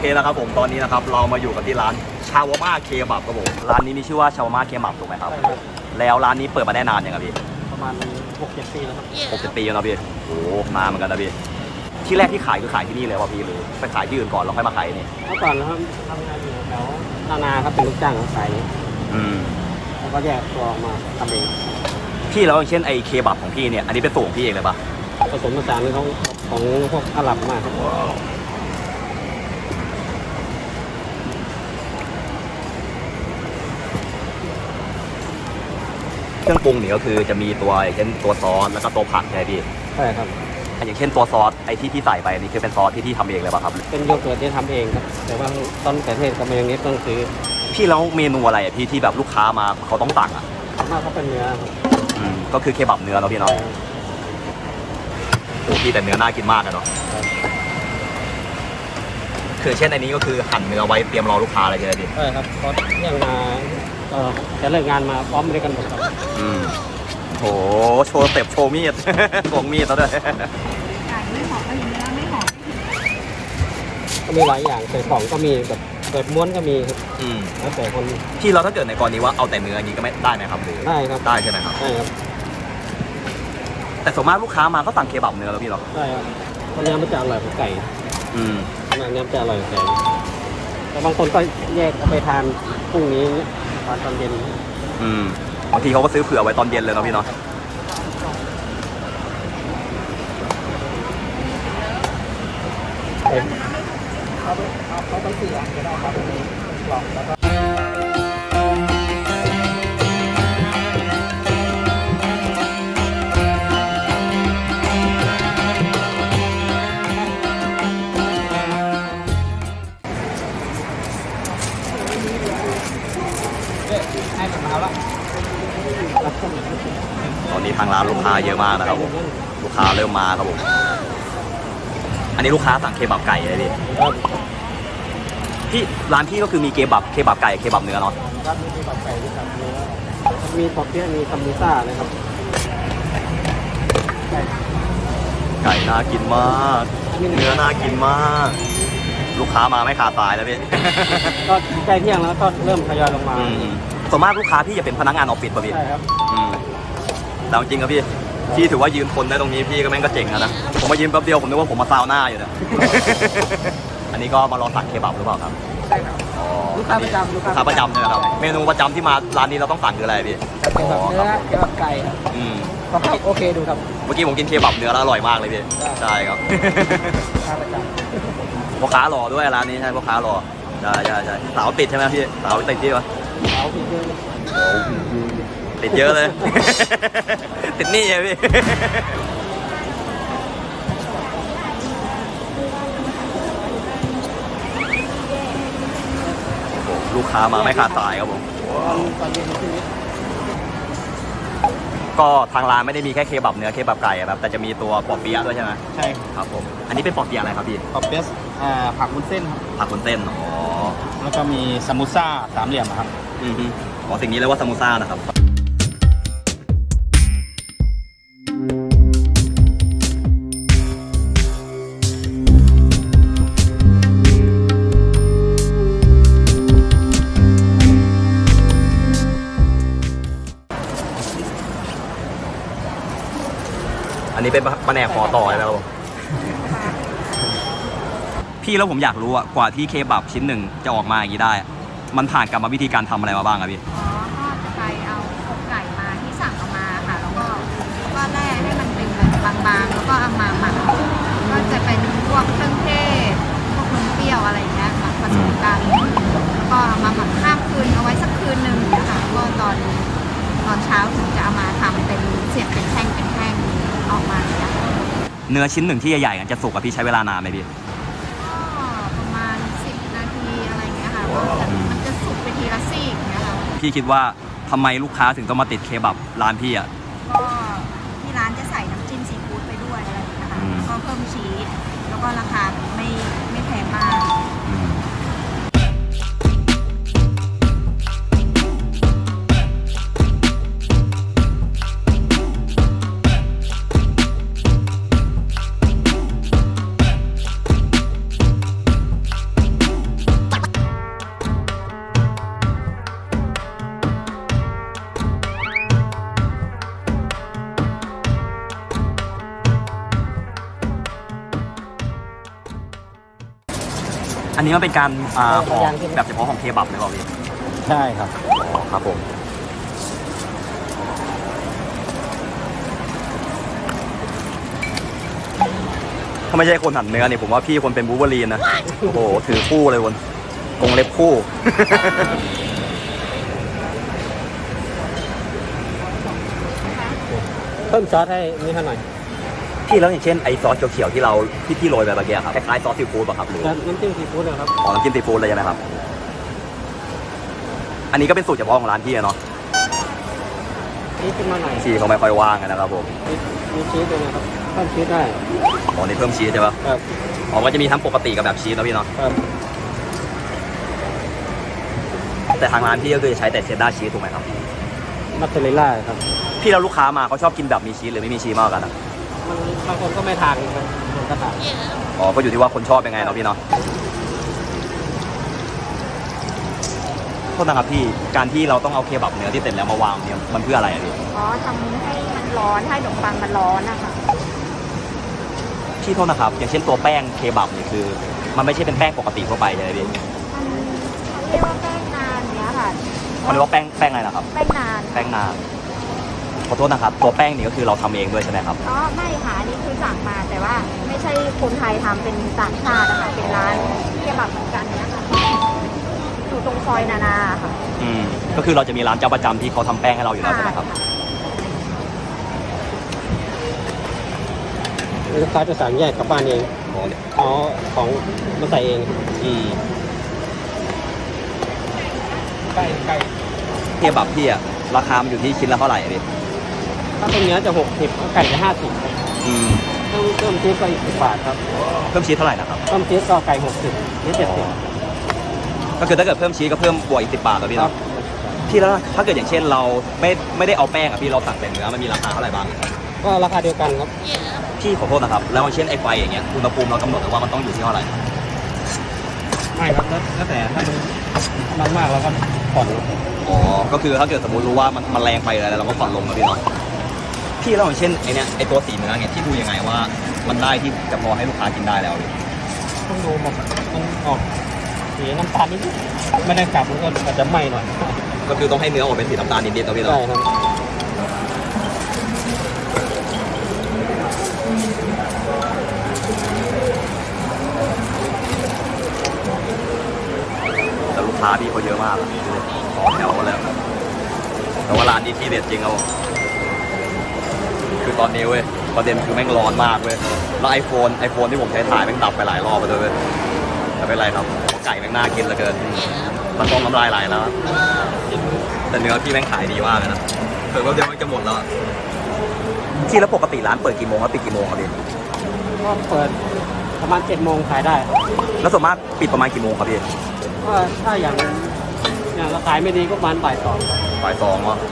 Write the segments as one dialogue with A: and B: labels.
A: นะครับผมตอนนี้นะครับเรามาอยู่กันที่ร้านชาวาม่าเคบับครับผมร้านนี้มีชื่อว่าชาวาม่าเคบับถูกไหมครับแล้วร้านนี้เปิดมาได้นานยังครับพี่
B: ประมาณ6-7 ปีแล้วครับ
A: 6-7 ปีแล้วนะพี่โอ้นานเหมือนกันนะพี่ที่แรกที่ขายคือขายที่นี่เลยวะพี่หรือไปขายที่อื่นก่อนแล้วค่อยมาขายนี่
B: เมื่อก่อนนะครับทำงานอยู่แถวนาครับเป็นลูกจ้างขายแล้วก็แยกตัวออกมาทำเอง
A: พี่แล้วอย่างเช่นไอ้เคบับของพี่เนี่ยอันนี้เป็นสูตรของพี่เองเลยปะ
B: ผสมผสานของพวกอาหรับมากครับ
A: เครื่องปรุงเนี่ยก็คือจะมีตัวอย่างเช่นตัวซอสแล้วก็ตัวผักใช่ไหมพี่
B: ใช่ครับ
A: อย่างเช่นตัวซอสไอ้ที่ใส่ไปนี่คือเป็นซอสที่ทำเองเลยป่ะครับ
B: เป็นโยเกิร์ตที่ทำเองครับแต่ว่าต้นแต่เทศกับเมยองเนสต้องซื้อ
A: พี่แล้วเมนูอะไรอ่ะพี่ที่แบบลูกค้ามาเขาต้องสั่งอ่ะ
B: มากเขาเป็นเนื้อ
A: ก็คือเคบับเนื้อเนาะพี่เนาะโอ้พี่แต่เนื้อน่ากินมากอะเนาะคือเช่นอันนี้ก็คือหั่นเนื้อไว้เตรียมรอลูกค้าอะไรใช่ไหมพี่
B: ใช่ครับเพราะยังมาจะเลิกงานมาพร้อมด้วยกันหมดครับ
A: โหโชว์สเต็ปโชว์มีดโกงมีดแล้วด้วย
C: ไก่ไม่หอมก็อย่างนี้ไม่หอม
B: ก็มีหลายอย่างใส่ของก็มีแบบเปิดม้วนก็มีครับแล้วแต่คน
A: ที่เราถ้าเกิดในกรณีว่าเอาแต่เนื้ออย่างนี้ก็ไม่ได้ไหมครับหรือ
B: ได้ครับ
A: ได้ใช่ไหมครับ
B: ได้ครับ
A: แต่ส่วนมากลูกค้ามาก็สั่งเคบับเนื้อแล้วพี่หรอ
B: ใช่ครับเพราะเนื้อมันจะอร่อยกว่าไก่เนื้อมันจะอร่อยกว่าไก่แต่บางคนก็แยกเอาไปทานพรุ่งนี้ตอนเย็น
A: บางทีเขาก็ซื้อเผื่อไว้ตอนเย็นเลยเนาะพี่เนาะ
B: เขาต้องซื้อก็ได้ครับลองแล้วก็ให้มันมาแล้ว
A: ตอนนี้ทางร้านลูกค้าเยอะมากนะครับผมลูกค้าเริ่มมาครับผมอันนี้ลูกค้าสั่งเคบับไก่เลยพี่ร้านพี่ก็คือมีเคบับไก่เคบับเนื้อเนาะ
B: ครับมีเคบับไก่เคบับเนื้อมีปอเปี๊ยะมีซัมบูซ่านะครับ
A: ไก่น่ากินมากเนื้อน่ากินมากลูกค้ามาไม่ขาดสายแล้วพี่
B: ก็ใกล้เที่ยงแล้วก็เริ่มทยอยลงมา
A: ส่วนมากลูกค้าพี่จะเป็นพนักงานออฟฟิศป่ะพี่
B: ใช่ครับ
A: แต่จริงครับพี่ถือว่ายืนทนได้ตรงนี้พี่ก็แม่งก็เจ๋งนะผมมายืนแป๊บเดียวผมนึกว่าผมมาซาวน่าอยู่เนี่ยอันนี้ก็มารอสั่งเคบับหรือเปล่าครับ
B: ใช่ครับลูกค้าประจำ
A: ลูกค้าประจำใช่ไหมครับเมนูประจำที่มาร้านนี้เราต้องสั่งคืออะไรพี่
B: เคบับเนื้อเคบับไก่ก็โอเคดูครับ
A: เมื่อกี้ผมกินเคบับเนื้อแล้วอร่อยมากเลยพี่ใช่ครับ
B: ลูกค้าประจ
A: ำพ่อค้าหล่อด้วยร้านนี้ใช่พ่อค้าหล่อใช่สาวติดใช่ไหมพี่สาวติดที่วะ
B: สาวติดเยอะ
A: ติดเยอะเลย ติดนี่ไงพี่ลูกค้ามาไม่ขาดสายครับผมก็ทางร้านไม่ได้มีแค่เคบับเนื้อเคบับไก่ครับแต่จะมีตัวปอเปี๊ยะด้วยใช่ไหม
B: ใช่
A: ครับผมอันนี้เป็นปอเปี๊ยะอะไรครับพี่
B: ปอเปี๊ยะผักวุ้นเส้นครับ
A: ผักวุ้นเส้น
B: แล้วก็มีซัมบูซ่าสามเหลี่ยมครับ
A: สิ่งนี้เรียกว่าซัมบูซ่านะครับอันนี้เป็นปลาแหนกขอต่อใช่ไหมครับพี่แล้วผมอยากรู้อะกว่าที่เคบับชิ้นหนึ่งจะออกมาอย่างนี้ได้มันผ่านกรรมวิธีการทำอะไรมาบ้างครับพี่
C: ก็จะไปเอาอกไก่มาที่สั่งเอามาค่ะแล้วก็แล่ให้มันเป็นบางๆแล้วก็เอามาหมักก็จะเป็นพวกเครื่องเทศพวกนมเปรี้ยวอะไรเงี้ยหมักผสมกันก็เอามาหมักข้ามคืนเอาไว้สักคืนหนึ่งนะคะก็ตอนเช้าถึงจะเอามาทำเป็นเสียบเป็นแท่งออกมาเนี่ย
A: เนื้อชิ้นหนึ่งที่ใหญ่ๆจะสุกกับพี่ใช้เวลานานไหมพี่
C: ก็ประมาณ10 นาทีอะไรเงี้ยค่ะมันจะสุกไปทีละซี่อย่างเงี้ยค่ะ
A: พี่คิดว่าทำไมลูกค้าถึงต้องมาติดเคบับร้านพี่อ่ะ
C: ก็ที่ร้านจะใส่น้ำจิ้มซีฟู้ดไปด้วยอะไรอย่างเงี้ยค่ะก็เพิ่มชีสแล้วก็ราคาไม่แพงมาก
A: อันนี้มันเป็นการห่อแบบเฉพาะของเคบับเลยเปล่าพี่
B: ใช่ครับ
A: อ๋อครับผมถ้าไม่ใช่คนหั่นเนื้อเนี่ยผมว่าพี่คนเป็นบูเบอรีนนะโอ้โหถือคู่เลยวนกรงเล็บคู่
B: เพิ่มซอสให้นี่ให้หน่อย
A: พี่แล้วอย่างเช่นไอซอสเขียวๆที่เราที่โรยไปเมื่อกี้ครับคล้ายๆซอสซีฟู้ดป่ะครับหรือ
B: แล้วน้ำจิ้มซีฟู้ดนะครับ
A: อ๋อน้ำจิ้มซีฟู้ดเลยใช่ไหมครับอันนี้ก็เป็นสูตรเฉพาะของร้านพี่อะเนาะ
B: นี่ขึ้นมาหน่อย
A: ชีสเขาไม่ค่อยว่างกันนะครับผม
B: มีชีสด้วยนะครับเพิ่มชีสได้
A: อ๋อนี่เพิ่มชีสใช่ปะ
B: ครับ
A: อ๋อก็จะมีทั้งปกติกับแบบชีสนะพี่เนาะ
B: ครับ
A: แต่ทางร้านพี่ก็คือจะใช้แต่เชดดาร์ชีสถูกไหมครับ
B: มัสซาเรลล่าครับ
A: พี่แล้วลูกค้ามาเขาชอบกินแบบมีชีสหรือไม่มีชีสมากกว่ากันอะ
B: มันบางคนก็ไม่ทานครับบางคนก็ทาน
A: อ๋อก็อยู่ที่ว่าคนชอบยังไงเนาะพี่เนาะโทษนะครับพี่การที่เราต้องเอาเคบับเนื้อที่เสร็จแล้วมาวางเนี่ยมันเพื่ออะไรอะพี่
C: อ๋อทำให้มันร้อนให้ขนมปังมันร้อนนะคะ
A: พี่โทษนะครับอย่างเช่นตัวแป้งเคบับเนี่ยคือ มันไม่ใช่เป็นแป้งปกติทั่วไปใช่ไหมพี่
C: มันเขาเรียกว่าแป้งนานเนี้ยค่ะ
A: เขาเรียกว่าแป้งอะไรนะครับ
C: แป้งนาน
A: แป้งนานขอโทษนะครับตัวแป้งนี่ก็คือเราทำเองด้วยใช่ไหมครับ
C: อ๋อไม่ค่ะอันนี่คือสั่งมาแต่ว่าไม่ใช่คนไทยทำเป็นต่างชาตินะคะเป็นร้านเคบับเหมือนกันเนี้ยค่ะอยู่ตรงซอยนานาค่ะ
A: ก็คือเราจะมีร้านเจ้าประจำที่เขาทำแป้งให้เราอยู่แล้วใช่ไหมครับ
B: ลูกค้าจะสั่งแยกกลับบ้านเอง
A: อ๋อ
B: เอาของมาใส่เอง
A: อืม
B: ใกล้ใกล้
A: เคบับพี่อะราคามันอยู่ที่ชิ้นละเท่าไหร่อะพี่
B: ถ้าเป็นเนื้อจะ60ก็ไก่จะ50ครับ
A: อืม
B: เพิ่มชีสก็อีก10 บาทครับ
A: เพิ่มชีสเท่าไหร่นะครับ
B: เพิ่มชีสก็ไก่60นี่70
A: ก็คือถ้าเกิดเพิ่มชีสก็เพิ่มบวกอีก10 บาทแล้วพี่
B: ครั
A: เนาะ
B: บ
A: พี่แล้วถ้าเกิดอย่างเช่นเราไม่ได้เอาแป้งอะพี่เราสั่งแต่เนื้อมันมีราคาเท่าไหร่บ้าง
B: ก็ราคาเดียวกันครับ
A: พี่ขอโทษนะครับแล้วอย่างเช่นไอ้ไฟอย่างเงี้ยอุณหภูมิเรากำหนดไว้ว่ามันต้องอยู่ที่เท่าไหร่
B: ไม่ครับแล้วแต่ถ้ามันมากเราก็ผ่อน
A: อ๋อก็คือถ้าเกิดสมมติรู้ว่ามันแรงไปอะไรเราก็ผ่อนลงนะพี่เนาะพี่แล้วอย่างเช่นไอ้เนี้ยไอ้ตัวสีเนื้อเนี่ยที่ดูยังไงว่ามันได้ที่จะพอให้ลูกค้ากินได้แล้วพี่
B: ต้องดูมันออกสีน้ำตาลนิดไม่ได้กลับมันก็อาจจะไหม้หน่อย
A: ก็คือต้องให้เนื้อออกเป็นสีน้ำตาลนิดๆนะพี่เนาะ
B: ใช่ครับ
A: แต่ลูกค้าพี่เขาเยอะมากอะต่อแถวเลยแต่ว่าร้านนี้ที่เด็ดจริงครับผมคือตอนนี้เว้ยประเด็นคือแม่งร้อนมากเว้ยแล้วไอโฟนที่ผมใช้ถ่ายแม่งดับไปหลายรอบไปด้วยเว้ยแต่ไม่เป็นไรครับไก่แม่งน่ากินเหลือเกินมันต้องน้ำลายไหลแล้วแต่เนื้อพี่แม่งขายดีมากเลยนะเผื่อว่าเดี๋ยวมันจะหมดแล้วที่แล้วปกติร้านเปิดกี่โมงครับปิดกี่โมงครับพี่
B: ก็เปิดประมาณ7 โมงขายได้
A: แล้วส่วนมากปิดประมาณกี่โมงครับพี่
B: ก็ถ้าอย่างเราขายไม่ดีก็ประมาณบ่าย 2
A: บ่ายสองวะ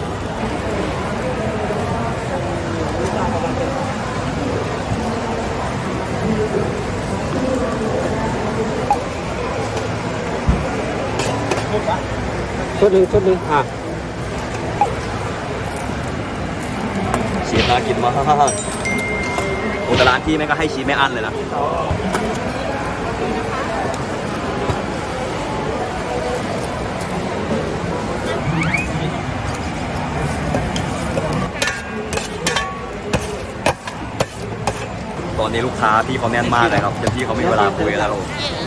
B: ชุดหนึ่ง
A: ชีสน่ากินมากโอ้แต่ร้านพี่แม่งก็ให้ชีสไม่อั้นเลยนะตอนนี้ลูกค้าพี่เขาแน่นมากเลยครับจนพี่เขาไม่มีเวลาคุยกันแล้ว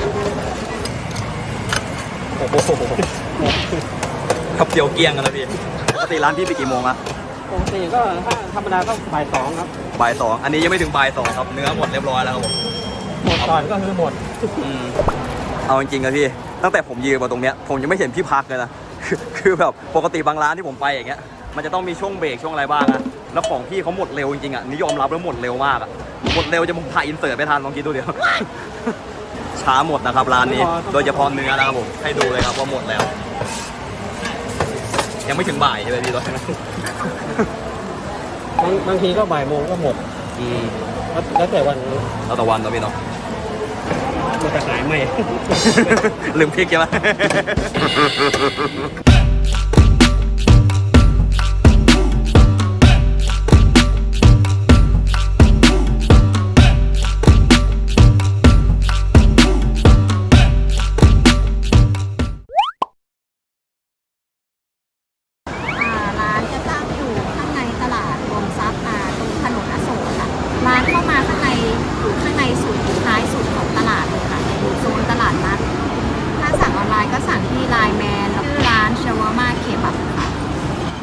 A: ครับเดียวเกลี้ยงกันนะพี่ปกติร้านพี่ปิดกี่โมงอะ
B: ปกติก็ถ้าธรรมดาก็บ่าย 2 ครับ
A: บ่ายสองอันนี้ยังไม่ถึงบ่ายสองครับเนื้อหมดเรียบร้อยแล้วครับผม
B: หมดก่อนก็คือหมด
A: เอาจริงๆนะพี่ตั้งแต่ผมยืนมาตรงเนี้ยผมยังไม่เห็นพี่พักเลยนะ คือแบบปกติบางร้านที่ผมไปอย่างเงี้ยมันจะต้องมีช่วงเบรกช่วงอะไรบ้างอะแล้วของพี่เขาหมดเร็วจริงๆอะนี่ยอมรับแล้วหมดเร็วมากอะหมดเร็วจะผมถ่ายอินเสิร์ตไม่ทันลองคิดดูเดี๋ยว ช้าหมดนะครับร้านนี้ โดยเฉพาะเนื้อนะครับผมให้ดูเลยครับว่าหมดแล้ว ยังไม่ถึงบ่ายใช่ไหมพี่ตอนนี้
B: บางทีก็บ่ายโมงก็หมดแล้วแต่วัน
A: เราตะวันเนาะพี่เนาะ
B: มันจะขายไม่
A: ลืมพริกใช่ไหม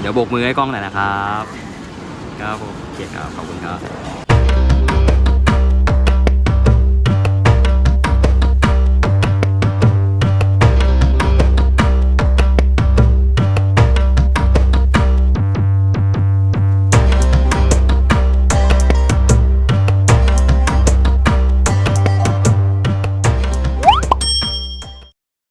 A: เดี๋ยวโบกมือให้กล้องหน่อยนะครับครับผมโอเคครับขอบคุณครับ